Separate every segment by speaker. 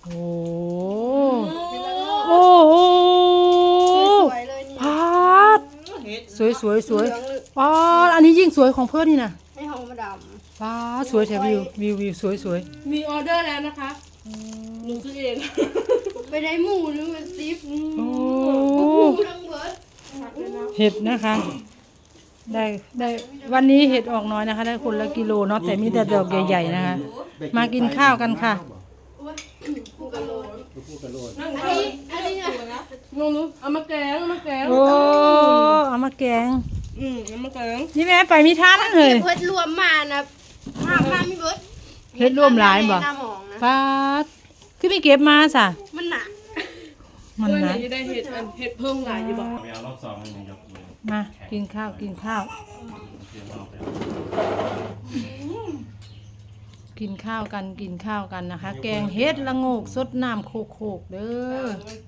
Speaker 1: โอ้โอ้โห
Speaker 2: สวยเลยนี่
Speaker 1: พาดสวยสวยสวยพาดอันนี้ยิ่งสวยของเพื่อนนี่นะ
Speaker 2: ให้หอมมาด
Speaker 1: พาดสวยแถมวิวสวยสวย
Speaker 3: มีออเดอร์แล้วนะคะหนูซื้อเอง
Speaker 2: ำไปได้หมูนึงมันซิป
Speaker 1: โอ้
Speaker 2: หมูทั้งเบิร์ด
Speaker 1: เห็ดนะคะ ได้วันนี้เห็ดออกน้อยนะคะ ได้คนละกิโลเนาะแต่มีแต่ดอกใหญ่ๆนะคะ มากินข้าวกันค่ะ
Speaker 2: กูกระโดด
Speaker 4: พูดกันโลด
Speaker 3: นั่ง
Speaker 2: อันนี้นะ
Speaker 3: งงรู้เอามาแกงเอามาแกง
Speaker 1: โอ้เอามาแกง
Speaker 3: เอามาแกง
Speaker 1: นี่แม่ไปมีท่านั่นเลย
Speaker 2: เบิร์ดรวมมานะมามีเบิร์ด
Speaker 1: เห็ดรวมหลายบ่
Speaker 2: หน้าหมองนะ
Speaker 1: ฟาดคือไม่เก็บมาสะ
Speaker 2: มันหนัก
Speaker 1: มัน
Speaker 3: เพื่อน
Speaker 1: นะ
Speaker 3: จะได้เห็ดเห็ดเพิ่มหลายอยู่บ่
Speaker 4: ไม่เอารอบสองมันยังยกมือ
Speaker 1: มากินข้าวกินข้าว
Speaker 4: เตรียมรอบแล้ว
Speaker 1: กินข้าวกันกินข้าวกันนะคะ แกงเห็ดละโงกสดน้ำโคกๆเด้อ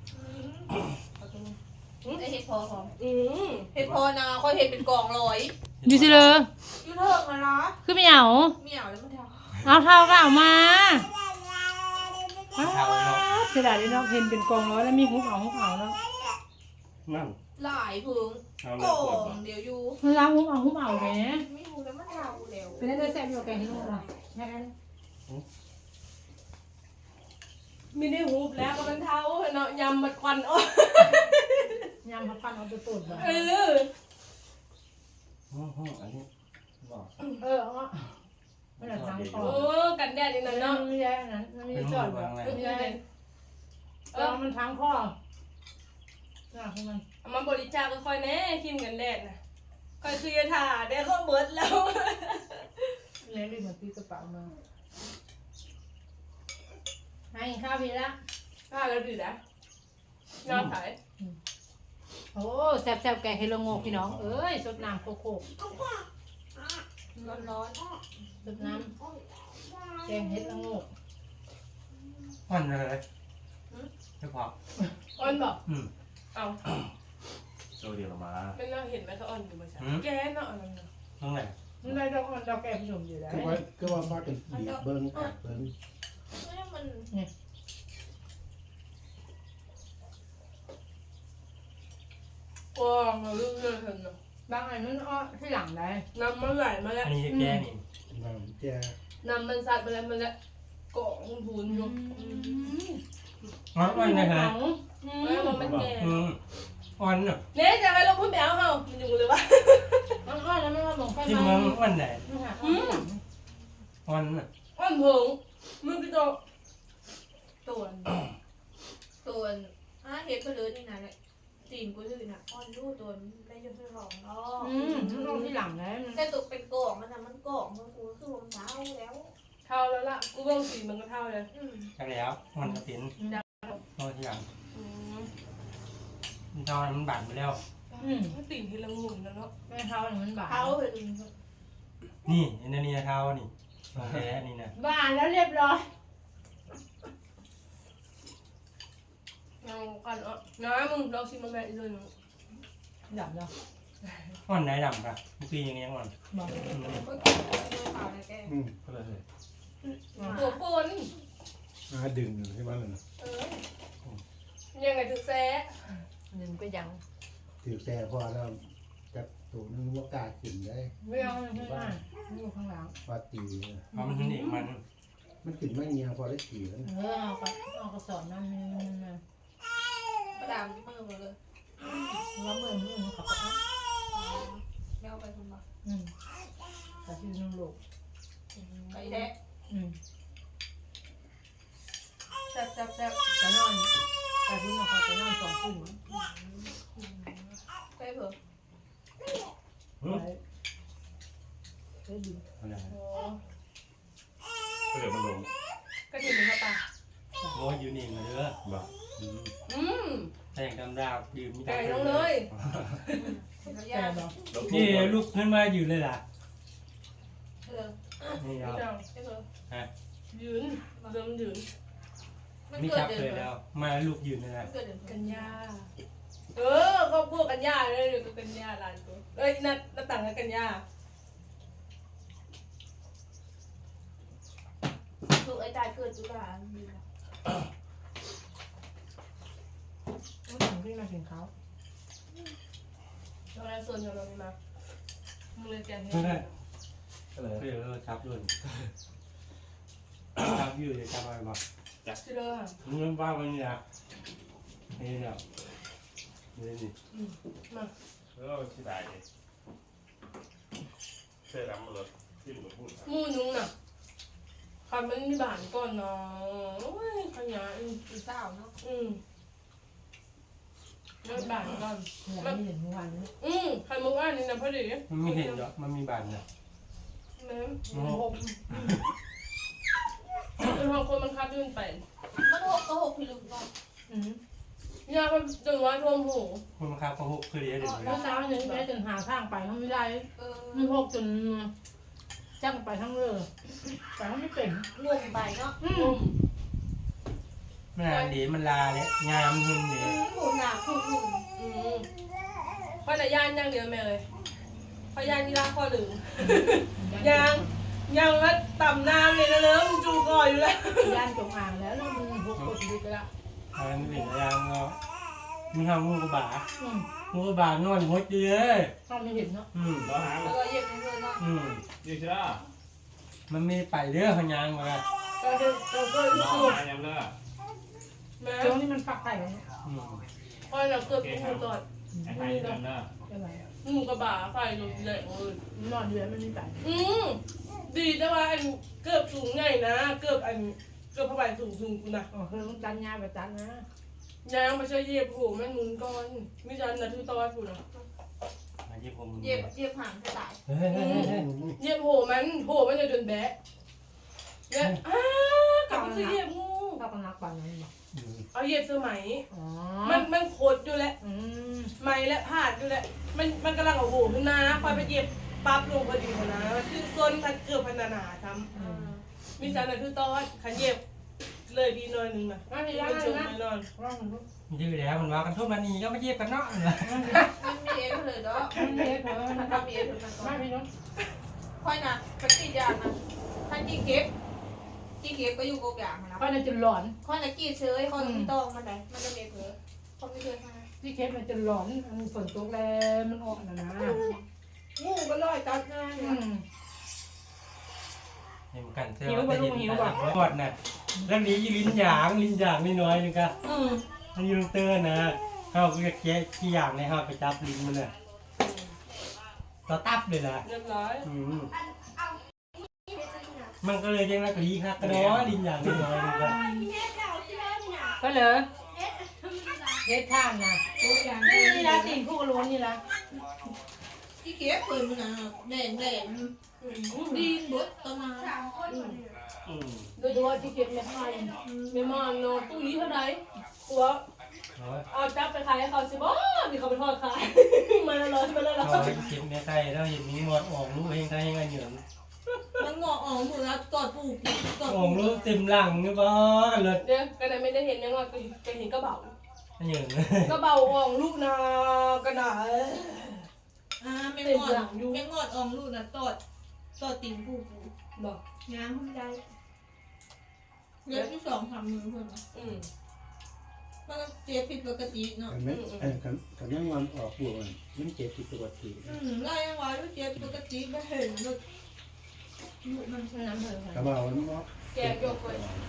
Speaker 5: ไอเห็ดพอของ
Speaker 3: ม
Speaker 5: เห็ดพอนะค่อยเห็ดเป็นกล่องลอย
Speaker 1: อยู่สิเลย
Speaker 5: ยูเทิร์กนะนะ
Speaker 1: คือไม่เอา
Speaker 5: ไม่เอาแล้วมันท
Speaker 1: เอาเท่าก็เอามา
Speaker 4: เท้าเนาะ
Speaker 1: เสียดายเลยเนาะเห็นเป็นกองร้อยแล้วมีหุบเอาเนาะ
Speaker 4: นั่น
Speaker 5: ำหลายพึ่ง
Speaker 4: เอา
Speaker 5: ก
Speaker 4: แล้วปวด
Speaker 5: ล่
Speaker 4: บ่
Speaker 5: องเดียวอยู่
Speaker 1: เวลาหุบเอาแหม
Speaker 5: ไม่รู้แล้วมันเทาแล้ว
Speaker 1: เป็นได้แซ่บอยู่แกงที่นู่นล่ะแม่
Speaker 3: มีได้ฮูบแล้วก็มันเท้าเนาะยำมันควันอ้อย
Speaker 1: ยำผัดปันเอาตัวตุ่นบ่
Speaker 3: เออ
Speaker 4: อันนี้บอก
Speaker 1: เอาไม่ได้ทางคอ
Speaker 3: โอ้กันแดดนี่นะ
Speaker 1: เนาะ
Speaker 3: เนาะ
Speaker 1: ไม่ใช่อันนั้นมันมี
Speaker 4: เป็น
Speaker 1: จ
Speaker 4: มื
Speaker 1: อ
Speaker 4: อ
Speaker 1: ดบ่
Speaker 4: วางอะไร
Speaker 1: ไม่ใช่มันทางคอน่ะคือมัน
Speaker 3: เอามาบริจาคก็ค่อยแน่คิมกันแดดนะค่อยคือจะถ่าได้ก็เบิดแล้ว
Speaker 1: เลยรีบมาตีกระเป๋ามาให้ข้าวพี่ละ
Speaker 3: ถ่าแล้วดื้อนะนอนถ่าย
Speaker 1: โอ้แซ่บๆแกงเฮโลโงกพี่น้องเอ้ยสดน้ำโคก
Speaker 5: ร้อน
Speaker 1: ๆสดน้ำแกงเห็ดละโงก
Speaker 4: อ่อนเลยไม่พอ
Speaker 3: อ่อนบอก เอา
Speaker 4: โซเดียวมา
Speaker 3: ไม่น่าเห็นไหมเขาอ่อนอยู่มาใช่แกเนาะอะไรเนาะ
Speaker 4: ตรงไหน
Speaker 1: นี่นายเราอ่อนเราแกงผสมอยู่แล้ว
Speaker 4: ก็ว่าบ้ากันบีบเบิ้งกัดเบิ้ง
Speaker 5: ๆไม่มัน
Speaker 3: โอ้มาเรื่อยๆเถอะเนาะ
Speaker 1: บางอันมันอ้อที่หลังได้
Speaker 3: น้ำมันไหลมาแล้ว
Speaker 4: อันนี้แกนี่
Speaker 6: น้ำแก่
Speaker 3: น้ำมันสัดมาแล้วมันแล้วเกาะพูนอยู่
Speaker 4: อ่อนเลยฮะ
Speaker 3: แล้วมันแก่
Speaker 4: อ่อนเนาะ
Speaker 3: เนี่ยจะให้เราพูดแบวเฮามันอยู่เลยวะ
Speaker 1: มันอ้อแล้วไม่ว่าหลงไฟ
Speaker 4: ที่
Speaker 1: ไหม
Speaker 4: เมืองอ่อนไหน
Speaker 1: มันหา
Speaker 4: อ่อนน่ะ
Speaker 3: อ่อนเพิงมึงก็จะ
Speaker 5: ตัวเห็ดก็เลยนี่นะเนี่ยตีนกูเลยนะอ่อนรูตัวได้ยังไม่ร้องเนาะ
Speaker 1: มันอ้อที่หลังได้
Speaker 5: แต่ตัวเป็นกล่องมันนะมันกล่องมันกูคือมันเท้าแล้ว
Speaker 3: เท่าแล้วล่ะกูเบิ่งสีมันก็เท่าเลย
Speaker 4: จังแล้วมันกระตินนอนที่หลังมันตอนมันบาดไปแล้ว
Speaker 3: ตีนที่ละงุ่นแล้วเนาะ
Speaker 1: แม่เท้ามันบาด
Speaker 5: เท้าเลย
Speaker 4: นี่อันนี้เท้านี่แท้นี่นะ
Speaker 1: บาดแล้วเรียบร้อย
Speaker 3: เอากันอ่ะน้ามึงลองชิมมาแม่อีกเลยหนู
Speaker 1: ดับแล้ว
Speaker 4: อ่อนไหนดำค่ะเมื่อกี้ยังอ่อน
Speaker 1: บอก
Speaker 4: ก็เลย
Speaker 3: ตัวปน
Speaker 6: ดึงอยู่ใช่ไหมล่ะนะ
Speaker 3: ยังไงถึงแซ่
Speaker 1: หนึ่งก็ยัง
Speaker 6: ถือแต่พอแล้วจับตัวนึงว่ากล้ากินได้
Speaker 1: ไม่เอาข้างหน้าอยู่ข้างหลัง
Speaker 6: ปาตี
Speaker 4: เพราะมันเด็กมัน
Speaker 6: มันกินไม่เงียพอได้กี่แล้ว
Speaker 1: เอากระสอบนั่นนี่นะ
Speaker 5: ประดามที่มือมาเลย
Speaker 1: แล้วมือมันขับเอา
Speaker 5: ไม่เอาไปคุณบอก
Speaker 1: แต่ที่นุ่งลูก
Speaker 5: ไปแท้
Speaker 3: แซ่บแซ่บแซ่บ
Speaker 1: แต่นอนแต่ที่นอนเขาจะนอนสองคืน
Speaker 5: ไปเถอะ
Speaker 1: ได้ดี
Speaker 4: อะไร
Speaker 3: โอ้
Speaker 4: ก็เดี๋ยวมันลง
Speaker 3: กระถิ่นหรือข้าวปลา
Speaker 4: โอ้ยยูนี่มาเด้อบอก แต่งดำดาวยืมมี
Speaker 3: ไก่ลงเลย
Speaker 1: แต่บอก
Speaker 4: นี่ลูกขึ้นมาอยู่เลยล่ะ
Speaker 5: เออ
Speaker 4: นี่
Speaker 3: ไม่
Speaker 4: เอา
Speaker 3: เอา
Speaker 5: ไปเถอะ
Speaker 3: ยืนเดิมยืน
Speaker 5: มัน
Speaker 4: นี่
Speaker 5: เกิ
Speaker 4: จั
Speaker 5: ด
Speaker 4: บ
Speaker 5: เดื
Speaker 4: เลย
Speaker 5: อน
Speaker 4: แล้ว มาลูกยืนเลยนะ
Speaker 5: เกิดเดือน
Speaker 3: กันยาครอบครัวกันยาเลยอยู่กับกันยาหลานกูเอ้ยนัดต่างกับกันยา
Speaker 5: ลูกไอ้ตายเกิดจุฬา
Speaker 1: มากินข้าว
Speaker 3: เราได้ส่วนของเราไม่มามึงเลยแกงเห็
Speaker 4: ไม่
Speaker 3: ด
Speaker 4: ได้เพื่อนจับด้วยจับอยู่จะจับอะไรบ้าง
Speaker 3: ชิเลอร์
Speaker 4: มึงบ้าวันนี้นะนี่เนี่ยนี่
Speaker 3: มา
Speaker 7: แล้วที่ไหนเสื้อดำมาเลยที่หนูพูด
Speaker 3: หมูนุ้งน่ะคันมันมีบานก่อนเนาะโอ้ยขยะ
Speaker 5: อีเศร้าเนาะ
Speaker 3: เลิกบานก่อน
Speaker 1: ไม่เห็นเมื่อวานนี้
Speaker 3: ใครมึงว่านี่นะพอดี
Speaker 4: มันไม่เห็นหรอกมันมีบานเนี่ย
Speaker 3: แม่หกเป็นห้องคนมันคับยื่นไป
Speaker 5: มันหกก็หกพี่ลุงก่อน
Speaker 3: ยาเขาจนว่าท่วมหู
Speaker 4: คนมาครับเขาหุบคือเดียวเดี๋ยว
Speaker 1: เมื่อเช้าเนี่ยแม่จนหาทางไปเขาไม่ได้ มันหกจนจังไปทั้งเรือแต่เขาไม่เป็น
Speaker 5: งงไปเนาะ
Speaker 4: มันนานดีมันลาเลยงามหึ่งดี
Speaker 5: หมูหนาคู่หุ่น
Speaker 3: พอยแต่ย่านย่างเดียวแม่เลยพอยย่านที่ร้านข้อหนึ่งยังว่าต่ำน้ำเลยนะเริ่มจูคออยู่แล้ว
Speaker 1: ย่านจงอ่างแล้วแล้วมันหกกดดีไปละ
Speaker 4: อะไรไม่เป็นอะไรเนาะมีห้องงูกระบางูกระบานอนหดเยอะ
Speaker 1: เขาไม่เห็นเนาะ
Speaker 7: แล้วหา
Speaker 5: แล้วก็เย็บในเพื่อนเนาะ
Speaker 7: ยี่ใช่ไหม
Speaker 4: มันไม่ไปเรื่องพยางมา
Speaker 3: เราก็
Speaker 7: น้อง
Speaker 3: สูบ
Speaker 7: หายังเลิก
Speaker 3: แม่
Speaker 1: ช่วงนี้มันฝักไข่แล้วเนี่ย
Speaker 3: พอยเราเกือบงูตอด
Speaker 7: ไอ้ไทยยังเลิก
Speaker 1: อะไร
Speaker 3: งูกระบะไฟลงเลยโอ้ย
Speaker 1: นอนอยู่แล้วมันไม่ไป
Speaker 3: ดีแต่ว่าอันเกือบสูงไงนะเกือบผ้าใบสูงถึงกูนะ
Speaker 1: อ๋อคือต้องจันยาไปจันนะ
Speaker 3: ยางมาช่วยเย็บโหแม่หนุนก่อนมิจันนะทือตอดกูนะ
Speaker 4: มาที่ผม
Speaker 5: เย็บห่างกระต่าย
Speaker 3: เย็บโหมันจะจนแบะเนี่ยกลับมาซื้อเย็บงู
Speaker 1: ถ้าก็นักปั่นนั้นบอก
Speaker 3: เอาเย็บสมัย
Speaker 1: อ๋อ
Speaker 3: มันโคตรอยู่แหละ ไหมและผาดอยู่แหละมันกำลังเอาโหขึ้นมาคอยไปเย็บปั๊บลงพอดีนะคือโซนพันเกือบพันนาซ้ำมิจันนะทือตอดขันเย็บเลยดีหน่อยนึงนะ
Speaker 1: ไม่มี
Speaker 3: มั
Speaker 1: ย่าน
Speaker 3: จุก
Speaker 1: นะ
Speaker 3: แน่นอน
Speaker 1: ร่องมัน
Speaker 4: ยืดแล้วมันว่ากันทุกมันนี่ก็ไม่เย็บกันเนาะ
Speaker 5: มันมีเอฟเลยเนาะ
Speaker 1: ไม่เห็นเหรอ
Speaker 5: มันทำมีเอฟถึงมันก่อ
Speaker 1: ไม่
Speaker 5: น
Speaker 1: มีเนาะ
Speaker 5: ค่อยนะปฏิญาณนะท่านจีเก็บก็อยู่กบอย่างนะ
Speaker 1: ค่อยน่าจะหลอน
Speaker 5: ค่อยนะกี้เชยค่อยไม่ต้องมันไหนมันจะมีเผลอเขาไม่เคยทำ
Speaker 1: ที่เคสมันจะหลอนมันฝนตกแล้วมันออกนะนะ
Speaker 5: งูก็ลอยตัดง่าย
Speaker 4: เห็นกันเสื้อว่าจะเห็นกันกอดน่ะเรื่องนี้ลิ้นหยางน้อยนึงก็มันยืนเตือนนะเขาก็จะเคี้ยขี้อย่างในเขาไปจับลิ้นมันน่ะเราตับเลยนะ
Speaker 3: เรียบร้อย
Speaker 4: มันก็เลยยังรักลีครับก็เนาะลิ้นอย่างน้อยนึงก็
Speaker 1: ก็เลยเฮ็ดท่านนะนี่ละตีนผู้กระโล้นนี่ละ
Speaker 5: จีเก็บปืนมันนะแดงดีนบดตอนนั้น
Speaker 3: โดยเฉพาะที่เก็บเม็ดมันเม็ดมันเนาะตู้นี้เท่าไหร่ตัวเอาจับไปขายให้เขาสิบ่มีเขาไปทอดขายมาแล้ว
Speaker 4: เขาเก็บในไข่แล้วเห็นมีงอดออกลูกเองไข่เงี้ย
Speaker 5: มันงอออกหมดแล้วกอดปูกอด
Speaker 4: ออกลูกเต็มหลังนี่บ่กันเลย
Speaker 3: เนี่ยกันไม่ได้เห็นยังว่าก็เห็นกระเป๋า
Speaker 4: เหยื่อก
Speaker 3: ระเป๋าอ่องลูกนากันหนา
Speaker 5: แมงอดออกลูกนะตอดตีนปู
Speaker 3: บอก
Speaker 5: งามขึ้นใจเลือดที่2 3 มือเพื่อนมันเจ็บผิดปกติเนาะ
Speaker 6: กันไหมกันยังวันออกบวกมันเจ็บผิดปกติ
Speaker 5: ไล่ยังไงรู้เจ็บปกติไม่เห็นลูกมัน
Speaker 1: น้ำเถอะ
Speaker 6: กระเป๋ามันว่า
Speaker 3: แกยกไป